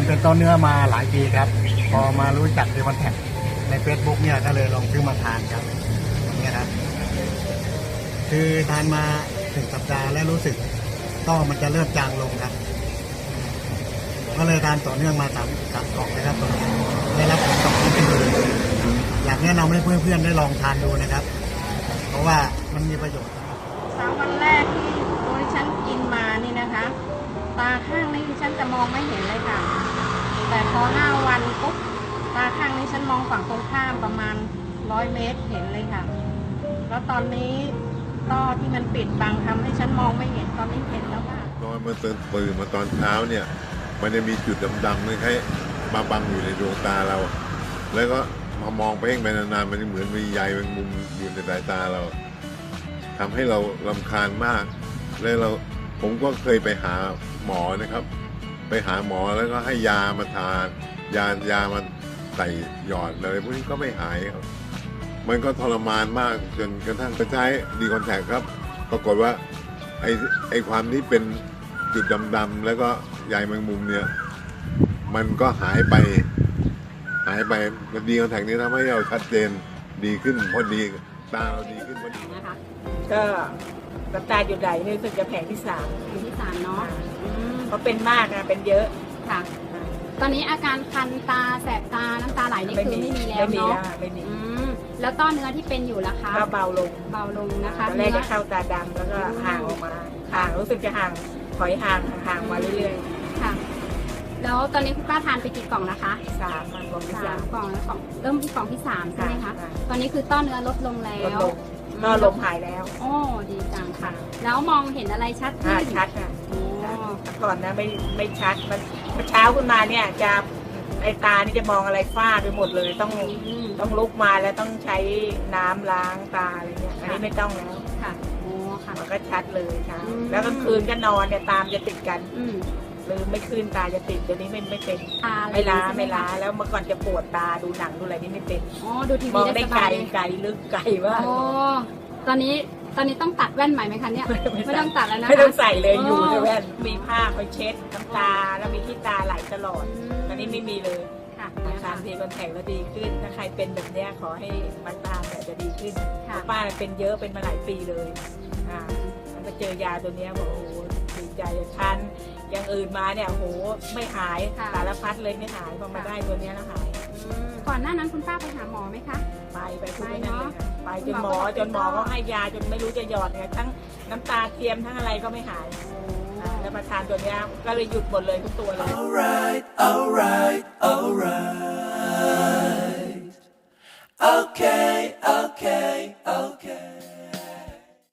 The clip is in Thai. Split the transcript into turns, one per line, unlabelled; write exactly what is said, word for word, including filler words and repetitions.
เป็นต้นเนื้อมาหลายปีครับพอมารู้จักดีคอนแทคใน Facebook เนี่ยก็เลยลองซื้อมาทานครับอย่างเงี้ยครับคือทานมาถึงสัปดาห์แล้วรู้สึกต้อมันจะเริ่มจางลงครับก็เลยทานต่อเนื่องมาสามสามกล่องเลยครับตอนนี้ได้รับผลตอบรับที่ดีอยากแนะนำให้เพื่อนๆได้ลองทานดูนะครับเพราะว่ามันมีประโยชน์
สามวันแรกที่โดยฉันกินมานี่นะคะตาข้างนี้ฉันจะมองไม่เห็นเลยค่ะแต่พอห้าวันปุ๊บตาข้างนี้ฉันมองฝั่งตรงข้ามประมาณร้อยเมตรเห็นเลยค่ะแล้วตอนนี้ต้อที่มันปิดบังทำให้ฉันมองไม่เห็นตอนนี้เห็นแล้วค่ะ
นอนมาตื่นตื่นมาตอนเช้าเนี่ยมันจะมีจุดดำๆไม่ใช่มาบังอยู่ในดวงตาเราแล้วก็มามองไปเองไปนานๆมันเหมือนมีใยแมงมุมอยู่ในสายตาเราทำให้เรารำคาญมากแล้วเราผมก็เคยไปหาหมอนะครับไปหาหมอแล้วก็ให้ยามาทานยายามาใส่หยอดอะไรพวกนี้ก็ไม่หายครับมันก็ทรมานมากจนกระทั่งไปใช้ดีคอนแทคครับปรากฏว่าไอ้ไอ้ความที่เป็นจุดดำๆแล้วก็ใยแมงมุมเนี่ยมันก็หายไปหายไปดีคอนแทคนี้ทำให้เราชัดเจนดีขึ้นพอดีตาเราดีขึ้นพอดี
นะคะ
ก็น้ำตาหยุดไหลนี่รู้สึกจะแผงที่สาม
แผงที่สามเนาะ
เพราะเป็นมากนะเป็นเยอะ
ค่ะตอนนี้อาการคันตาแสบตาน้ำตาไหลนี่คือไม่มีแล้วเนาะ
ไม่มี
แล้วต้อเนื้อที่เป็นอยู่ล่ะคะ
ก็เบาลง
เบาลงนะคะ
ตอนแรกจะเข้าตาดำแล้วก็ห่างออกมาห่างรู้สึกจะห่างถอยห่างห่างมาเรื่อย
ๆค่ะแล้วตอนนี้คุณป้าทานไปกี่กล่องนะคะ
สามกล่องที่สาม
กล่องแล้วกล่องเริ่มที่กล่องที่สามใช่ไหมคะตอนนี้คือต้อเนื้อลดลงแล้ว
ก็ลมหายแล้ว
โอ้ดีจังค่ะแล้วมองเห็นอะไรชัดขึ้น
ชัดค่ะก่อนนะไม่ไม่ชัดมันเช้าขึ้นมาเนี่ยจะไอตานี่จะมองอะไรฟ้าไปหมดเลยต้องต้องลุกมาแล้วต้องใช้น้ำล้างตาอะไรเงี้ยอันนี้ไม่ต้องแล้ว
ค่ะโอ้ค่ะ
มันก็ชัดเลยค่ะแล้วกลางคืนก็นอนเนี่ยตามจะติดกันหรือไม่คืนตาจะติดเดี๋ยวนี้ไม่ไม่เป็นไม่ล้าไม่ล้าแล้วเมื่อก่อนจะปวดตาดูหนังดูอะไรนี่ไม่เป็น
อ๋อดูทีวี
มองได้ไกลไกลลึกไกลว่า
โอ้ตอนนี้ตอนนี้ต้องตัดแว่นใหม่ไหมคะเนี่ยไม่ต้องตัดแล้วนะ
ไม่ต้องใส่เลยอยู่ในแว่นมีผ้าไปเช็ดน้ำตาแล้วมีที่ตาไหลตลอดตอนนี้ไม่มีเลยทานดีคอนแทคแล้วดีขึ้นถ้าใครเป็นแบบนี้ขอให้มาตามแบบจะดีขึ้นป้าเป็นเยอะเป็นมาหลายปีเลยอ่ามาเจอยาตัวนี้บอกโอ้โหดีใจทานอย่างอื่นมาเนี่ยโอ้โหไม่หายสารพัดเลยไม่หายพอมาได้ตัวนี้แล้วหาย
ก่อนหน้านั้นคุณป้าไปหาหมอไหมคะ
ไปไปทุกนั่นเลยค่ะไปจนหมอจนหมอก็ให้ยาจนไม่รู้จะหยอดไงทั้งน้ำตาเทียมทั้งอะไรก็ไม่หายแล้วมาทานตัวนี้ก็เลยหยุดหมดเลยทุกตัวเลย
alright alright alright okay